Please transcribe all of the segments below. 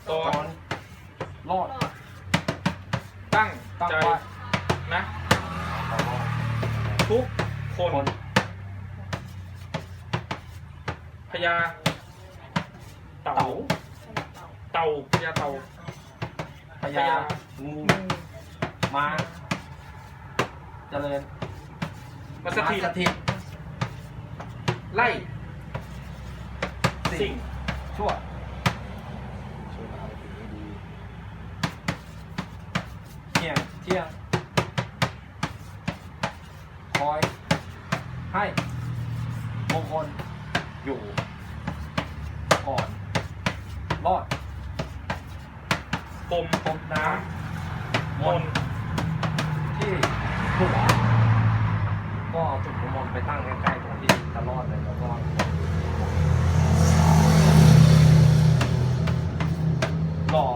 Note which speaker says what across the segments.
Speaker 1: ก่อนรอด
Speaker 2: ตั้ง
Speaker 1: ตั้ง
Speaker 2: ใจ
Speaker 1: ไว้
Speaker 2: นะทุกคน
Speaker 1: คน
Speaker 2: พญาเต่า
Speaker 1: เต่า
Speaker 2: พญาเต่า
Speaker 1: พญางูม้าเจริญ
Speaker 2: มาสถิต
Speaker 1: สถิต
Speaker 2: ไล่สิ่ง
Speaker 1: ชั่วเที่ยงคอยให้มงคลอยู่ก่อนรอด
Speaker 2: ปม
Speaker 1: พบน้ำ
Speaker 2: มน
Speaker 1: ที่หัวก็เอาจุดน้ำมนต์ไปตั้งใกล้ๆตรงที่จะรอดเลยแล้วก็รอ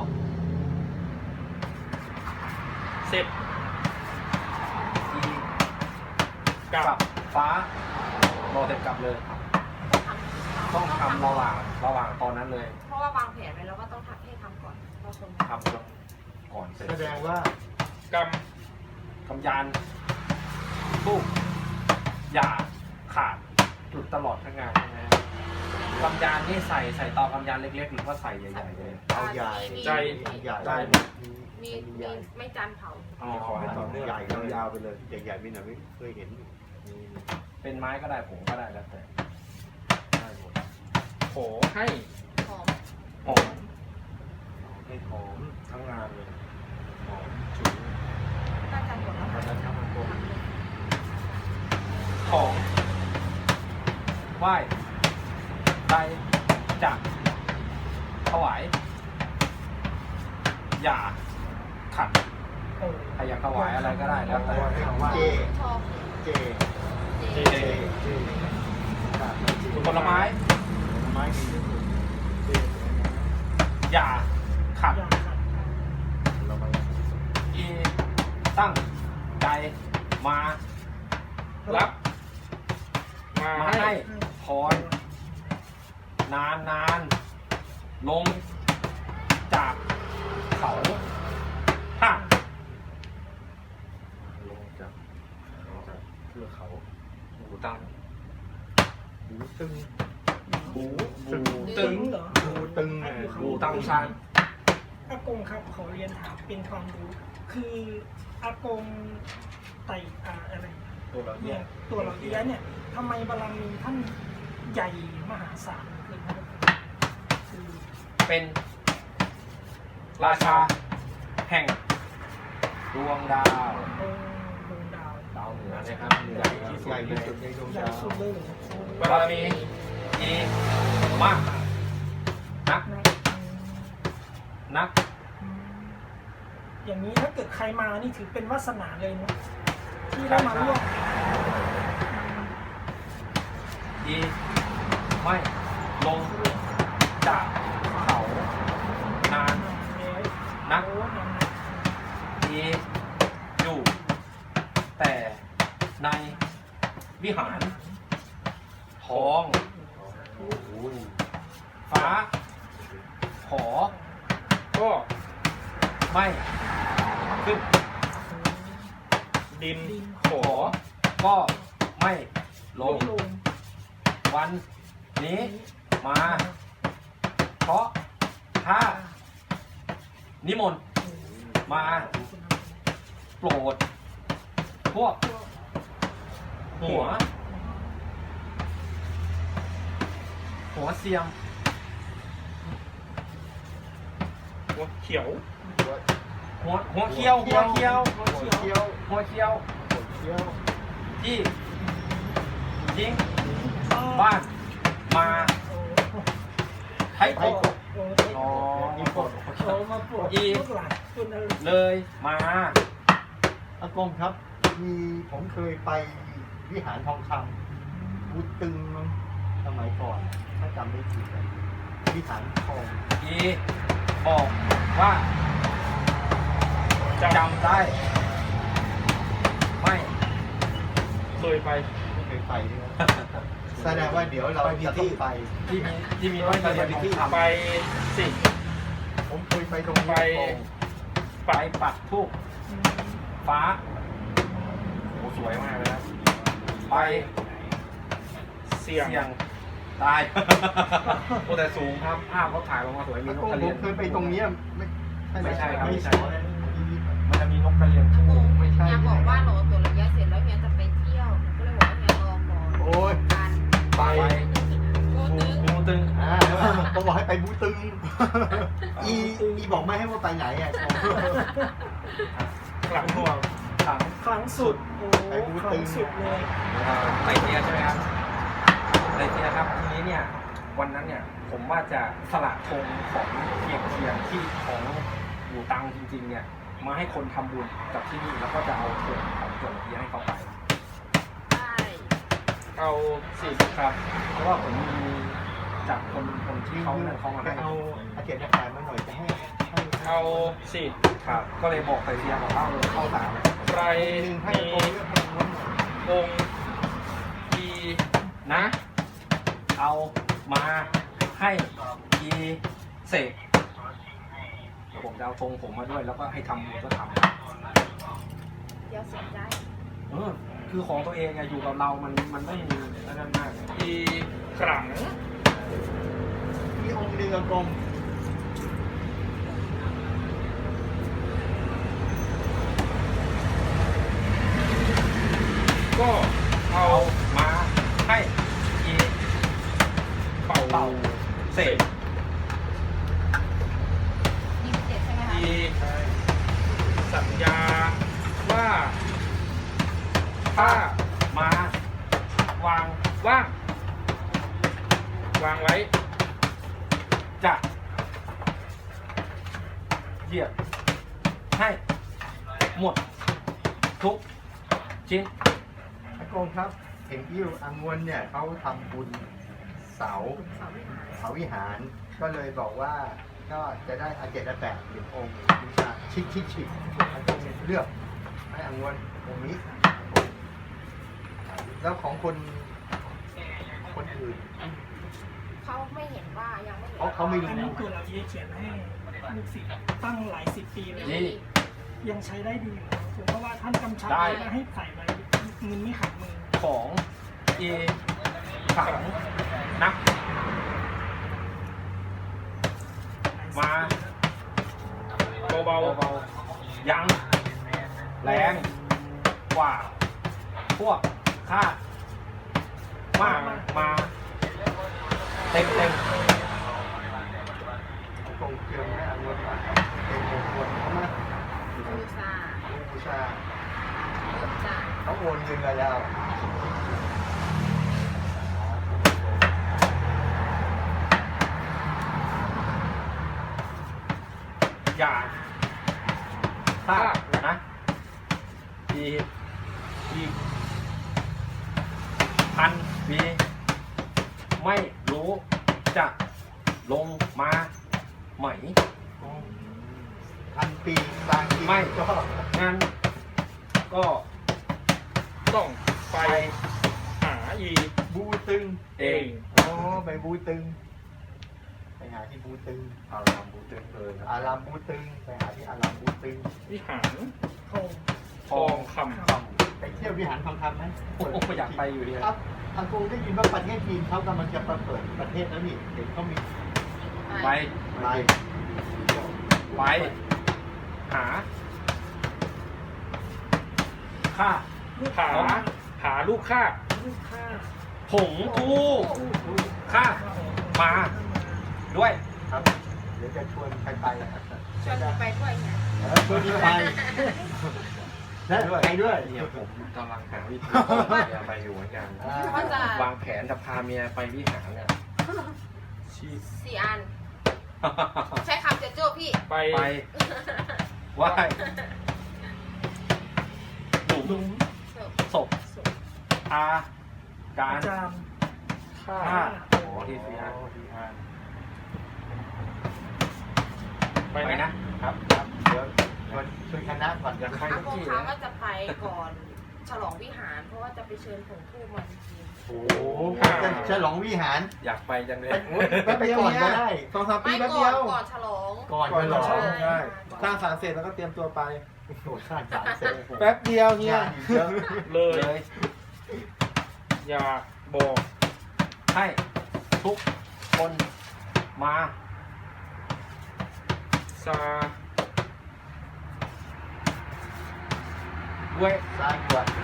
Speaker 2: เสร็จ
Speaker 1: ที
Speaker 2: กลั
Speaker 1: กับบ ฟ้ารอเสร็จกลับเลย ต้องทำระหว่างตอนนั้นเลย
Speaker 3: เพราะว่าวางแผนไว้แล้วว่าต้องทำให้ทำก่อนเราคน
Speaker 1: ทำก่อนเสร็จ
Speaker 4: แสดงว่าก
Speaker 1: กำยานตู้อย่าขาดจุดตลอดทั้งงานนะฮะกำยานนี่ใส่ต่อกำยานเล็กๆหรือว่าใส่ใหญ่ๆเลย
Speaker 4: เอาใหญ่
Speaker 2: ใจ
Speaker 4: ใหญ่
Speaker 1: ได้
Speaker 3: มีไม่จานเผา
Speaker 1: อ๋อ
Speaker 4: ขอให้ต่อเนื่อง
Speaker 1: ใหญ่
Speaker 4: ยาวๆไปเลยใหญ่ๆไม่หน่อยไม่เคยเห็น
Speaker 1: เป็นไม้ก็ได้ผงก็ได้แล้วแต่ได้หมด
Speaker 2: ขอให้
Speaker 3: หอม
Speaker 1: หอมให้หอมทั้งงานเลยหอมฉุน
Speaker 3: น่าจะหมดแล้ว
Speaker 4: ตอนนั้นครับมันโกง
Speaker 1: ของไหว้ใจจะถวายอย่าขัดใครอยากถวายอะไรก็ได้แล้วแต่
Speaker 4: เจ
Speaker 3: ทอง
Speaker 4: เจ
Speaker 3: เจ
Speaker 1: เจ
Speaker 4: เจ
Speaker 1: ผลไม้
Speaker 4: ผลไม้ดีที่สุดเจ
Speaker 1: อย่าขัด
Speaker 4: เราไป
Speaker 1: อีตั้งใจมา
Speaker 2: รับ มา
Speaker 1: มา
Speaker 2: ให้
Speaker 1: ให้พรนานลงจากเขาห้า
Speaker 4: ลงจากเทือกเขา
Speaker 1: หูตั้ง
Speaker 4: หูตึง
Speaker 1: หู
Speaker 4: ตึง
Speaker 1: ตึง
Speaker 5: เหรอ
Speaker 4: หูตึง
Speaker 1: หูตั้งชาน
Speaker 5: อากงครับขอเรียนถามเป็นความรู้ คืออากงไต่อะไร
Speaker 1: ตัวเราเนี่ย
Speaker 5: ตัวเราเอี้ยะเนี่ยทำไมบารมีท่านใหญ่มหาศาลเลยครับคือ
Speaker 1: เป็นราชาแห่งดวงดาว
Speaker 5: องค์ดวงดาว
Speaker 1: ดาวเหนือนะครับใหญ่ที่สุ
Speaker 4: ให
Speaker 1: ด
Speaker 4: ญ่
Speaker 1: เล
Speaker 4: ที่
Speaker 1: ย
Speaker 4: สุดในดวง
Speaker 5: ใหญ่
Speaker 4: ดาว
Speaker 5: สุดเลย
Speaker 1: บารมีดีมากนัก
Speaker 5: นะ
Speaker 1: นัก
Speaker 5: อย่างนี้ถ้าเกิดใครมานี่ถือเป็นวาสนาเลยนะที่ได้มาร่วม
Speaker 1: ดีไม่ลงจากเขานาน นัก
Speaker 5: โอ้นาน
Speaker 1: ดีอยู่แต่ในวิหารทองฟ้า ขอ
Speaker 2: ก็
Speaker 1: ไม่ขึ้น
Speaker 2: ดิน
Speaker 1: ขอ ก็ไม่ล
Speaker 5: ล
Speaker 1: ง
Speaker 5: ง
Speaker 1: วันนี้มา เพราะถ้านิมนต์มาโปรด พวกหัวเสียม
Speaker 2: หัวเขียว
Speaker 1: หัวเคี้ยว
Speaker 4: หัวเคี้ยวหัวเคี้ยว
Speaker 1: หัวเคี้ยว
Speaker 4: หัวเคี้ยว
Speaker 1: ที่ทิ้งบ้านมาให้
Speaker 4: ไอ้
Speaker 1: โก
Speaker 4: กบ
Speaker 5: โอ้
Speaker 1: อ๋อ
Speaker 4: นี่กบ
Speaker 5: โอ้มาปวดลูกหลานจนอะไร
Speaker 1: เลยมา
Speaker 4: อากงครับ มีผมเคยไปวิหารทองคำหูตึงมั้งสมัยก่อน ถ้าจำไม่ผิดอะวิหารทอง
Speaker 1: อีบอกว่า
Speaker 2: จ
Speaker 1: จำได้ ไม่
Speaker 2: ำเคยไป
Speaker 4: ไม่เคยไปด้วย แสดงว่าเดี๋ยวเราจะต้องไป
Speaker 1: ที่มีร้อยกระเรียนทองคำ
Speaker 2: ไปสิ
Speaker 4: ผมเคยไปตรงนี้
Speaker 2: ไป
Speaker 4: อากง
Speaker 1: ไปปักทูบ
Speaker 5: อืม
Speaker 1: ฟ้าโอ้สวยมากเลยครับไป
Speaker 2: เสี่ยง
Speaker 1: เสี่ยงตาย โอ้แต่สูงครับภาพเขาถ่ายลงมาสวยมี
Speaker 4: อาน ก
Speaker 1: ก
Speaker 4: ง
Speaker 1: กระ
Speaker 4: ผ
Speaker 1: เรีย
Speaker 4: ม
Speaker 1: น
Speaker 4: เคยไปตรงเนี้ยไม่ใช่
Speaker 1: ไม่
Speaker 4: ไม่
Speaker 1: ใช่
Speaker 4: ใช่
Speaker 1: ครับมันจะมีนกกระเรียน
Speaker 3: อาก
Speaker 1: คู่
Speaker 3: ง
Speaker 4: ไม่ใช่
Speaker 3: เฮียบอกว่าโหลตัวระยะเสร็จแล้วเฮียจะไปเที่ยวก็เลยบอกว่าเฮียรอก่อน
Speaker 4: โอ้ย
Speaker 3: กัน
Speaker 4: ไป
Speaker 3: โอ้ตึง
Speaker 1: งูตึง
Speaker 4: ผมบอกให้ไปบูตึงอีบอกไม่ให้ว่าไปไหนอ่ะ
Speaker 2: หลังห่วง
Speaker 1: ถัง
Speaker 5: ครั้งสุดโอ้ครั้งสุดเลย
Speaker 1: ไตเตียใช่ไหมครับไตเตียครับทีนี้เนี่ยวันนั้นเนี่ยผมว่าจะสละธงของเพียงที่ของอยู่ตังจริงๆเนี่ยมาให้คนทำบุญกับที่นี่แล้วก็จะเอาธงของจงเทียให้เขาไป
Speaker 3: ได้
Speaker 2: เอาสิ
Speaker 1: ครับ เพราะว่าผมมีจากคนที่เขาเนี่ยเขามา
Speaker 4: ไป
Speaker 1: ให้
Speaker 4: เอาอาเจนอาการมาหน่อยจะให้
Speaker 2: เอาสิ
Speaker 1: ครับ ก็เลยบอกไตเตียบอกว่าเข้าสาม
Speaker 2: ใคร
Speaker 4: หนึ่งให้
Speaker 2: มี
Speaker 4: โกงเรื่องให้ม้วนหน่อย
Speaker 2: องค์ดี
Speaker 1: นะ เอามาให้กีเสกเดี๋ยวผมจะเอาธงผมมาด้วย แล้วก็ให้ทำบุญก็ทำ
Speaker 3: เดี๋ยวเสียใจ
Speaker 1: คือของตัวเองอะอยู่กับเรามันไม่มีนั่นมาก
Speaker 2: ดีขลัง
Speaker 4: มีองค์หนึ่งอากง
Speaker 2: ก็เอา
Speaker 1: เอามาให้กี
Speaker 2: เป่า
Speaker 1: เป่าเสก
Speaker 3: 27ใช่ไหมคะ
Speaker 2: ดีสัญญาว่าถ้าม
Speaker 1: าวาง
Speaker 2: ว่าง วางไว้
Speaker 1: จะเหยียบให้หมดทุกชิ้น
Speaker 4: อากงครับเห็นอิ้วอังวนเนี่ยเขาทำบุญเสา
Speaker 3: เสาวิหาร
Speaker 4: เสาวิหารก็เลยบอกว่าก็จะได้อาเจนอาแปดเป็นองค์บูชาชิกอากงเลือกให้อังวนองค์นี้ แล้วของคนอื่น
Speaker 3: เขาไม่เห็นว่ายังไม่เห็น
Speaker 4: เขาไม่รู้
Speaker 5: อันนี้ตัวเราเยเขียนให้ลูกศิษย์ตั้งหลายสิบปีเลย
Speaker 1: นี่
Speaker 5: ยังใช้ได้ดีอยู่ผมเพราะว่าท่านกำชับ
Speaker 1: ได้
Speaker 5: ไว้ว่าให้ใส่ไว้เงินไม่ขาดมือ
Speaker 1: ของเอขังนัก มา
Speaker 2: เบา
Speaker 1: เบาๆยังแรงกว่า พวกข้ามากมาเต็ม
Speaker 4: อากงเชิญให้อังวนมาเป็นมงคลเขามา
Speaker 3: บูชา
Speaker 4: บูชา
Speaker 3: จ้ะ
Speaker 4: เขาโอนเงินมาแล้ว
Speaker 1: อย่าพลาดนะอีพันปีไม่รู้จะลงมาไหม
Speaker 4: 1,000 ปีบางที
Speaker 1: ไม่
Speaker 4: ก็
Speaker 1: งั้นก็
Speaker 2: ๆต้องไปหาอี
Speaker 4: บูตึง
Speaker 1: เอง
Speaker 4: อ๋อไปบูตึง ไปหาที่บูตึง
Speaker 1: อารามบูตึงเลย
Speaker 4: อารามบูตึง ไปหาที่อารามบูตึง
Speaker 2: วิหาร
Speaker 5: ทอง
Speaker 2: ทองค
Speaker 4: ไปเที่ยววิหารทองคำไหม
Speaker 1: โอ้โหอยากไปอยู่ดี
Speaker 4: ครับทางกรุงได้ยินว่าประเทศจีนเขากำลังจะเปิดประเทศแล้วนี่เห็นเขามี
Speaker 1: ไป
Speaker 4: ไป
Speaker 1: ไป หาค่า
Speaker 2: ำหาลูกค้า
Speaker 5: ลูกค้า
Speaker 1: ผงทูค่ามาด้วย
Speaker 4: ครับ เดี๋ยวจะชวนใครไปนะครับ
Speaker 3: ชวนไปด้วยไง
Speaker 4: ชวนไปและไปด้วย
Speaker 1: เนี่ยผมกำลังหาวิธีเมียไปอยู่เหมือนกัน
Speaker 3: เขาจะ
Speaker 1: วางแผนจะพาเมียไปวิหารเนี่ย
Speaker 3: 4 อัน ใช้คำจะโจ้พี่
Speaker 2: ไป
Speaker 1: ไปไหว้หลุม
Speaker 5: หลุม
Speaker 1: ศพอาการ
Speaker 5: อาจารย์
Speaker 2: ค่า
Speaker 1: ฆ่าโอ้ที่สี่อัน ไปนะครับ
Speaker 4: เดี๋ยวชวนคณะก่อน
Speaker 1: อยากไป
Speaker 3: อา
Speaker 1: ทุก
Speaker 3: คง
Speaker 1: ที่
Speaker 3: เขา
Speaker 1: นะ
Speaker 3: ก็จะไปก่อนฉลองวิหารเพราะว่าจะไปเชิญผงทูบมาจริง
Speaker 4: โอ้โหจะฉลองวิหาร
Speaker 1: อยากไปจังเลย
Speaker 4: ไปก่อนก็ได้
Speaker 3: ๆไม่
Speaker 2: 2-3 ปีแป๊บ
Speaker 3: ก่
Speaker 2: เดี
Speaker 3: อน
Speaker 2: ยว
Speaker 3: ก่อนฉลอง
Speaker 4: ก่อน
Speaker 2: ก่อน
Speaker 4: ฉลอง
Speaker 2: ฉลอง
Speaker 3: ใช่
Speaker 2: สร้างศาลเสร็จแล้วก็เตรียมตัวไป
Speaker 4: โอ้โหสร้างสารเสร็จ
Speaker 2: แป๊บเดียวเนี่ย
Speaker 4: งานเยอะ
Speaker 2: เลย
Speaker 1: เลย
Speaker 2: อย่าบอก
Speaker 1: ให้ทุกคนมา
Speaker 2: ซา
Speaker 1: ด้วย
Speaker 4: สร้างก่อน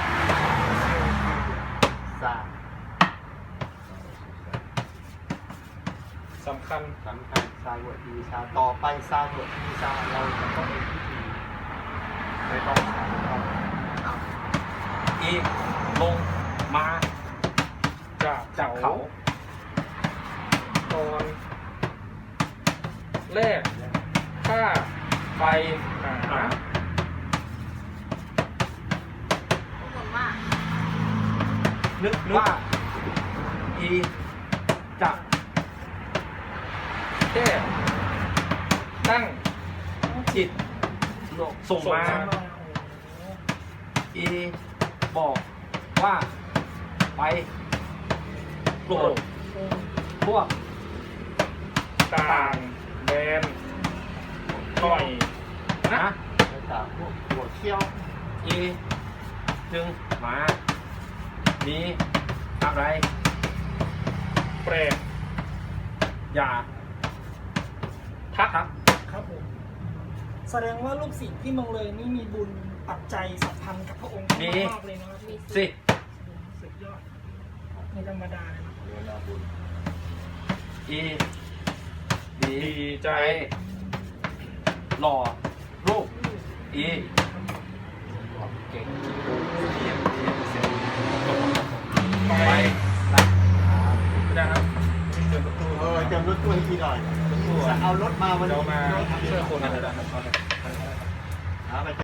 Speaker 4: สร้าง
Speaker 2: สำคัญ
Speaker 4: สำคัญสร้างวดดีสร้างต่อไปสร้างวดดีสร้างเราจะต้องมีพิธีไม่ต้องสร้างเรา
Speaker 1: อีกลงมา
Speaker 2: จาก
Speaker 1: จากเขา
Speaker 2: ตอนแรกถ้าไปหา
Speaker 3: ทุกคนว่า
Speaker 1: นึกว่า อีจะ
Speaker 2: แค่ตั้งจิต
Speaker 1: ส่งมา
Speaker 5: มาโอ้โห
Speaker 1: อีบอกว่าไปโปรดพวก
Speaker 2: ต่างแดนหน่อยนะ
Speaker 1: นะ
Speaker 4: แล้วจากพวกหัวเขี้ยว
Speaker 1: อีจึงมามีอะไร
Speaker 2: แปลก
Speaker 1: อย่าทัก
Speaker 5: ครับผมแสดงว่าลูกศิษย์ที่เมืองเลยนี่มีบุญปัจจัยสัมพันธ์กับพระองค์มากๆเลยนะครับ
Speaker 3: มี
Speaker 1: สิ
Speaker 5: สุดยอดไม่ธรรมดาเลยนะ
Speaker 4: เรือนาบุญ
Speaker 1: อีดี
Speaker 2: ดีใจ
Speaker 1: หล่อรูปอีเก่งเทียมเสียงไป
Speaker 2: ไป
Speaker 1: ละ
Speaker 2: ไม่ได้ครับนี่เจอประตู
Speaker 4: เตรียมรถตู้ให้พี่หน่อยจะเอารถมาวัน
Speaker 2: เดี๋
Speaker 4: นี้
Speaker 2: ยวมาช่วยคนอะไร
Speaker 4: หาไป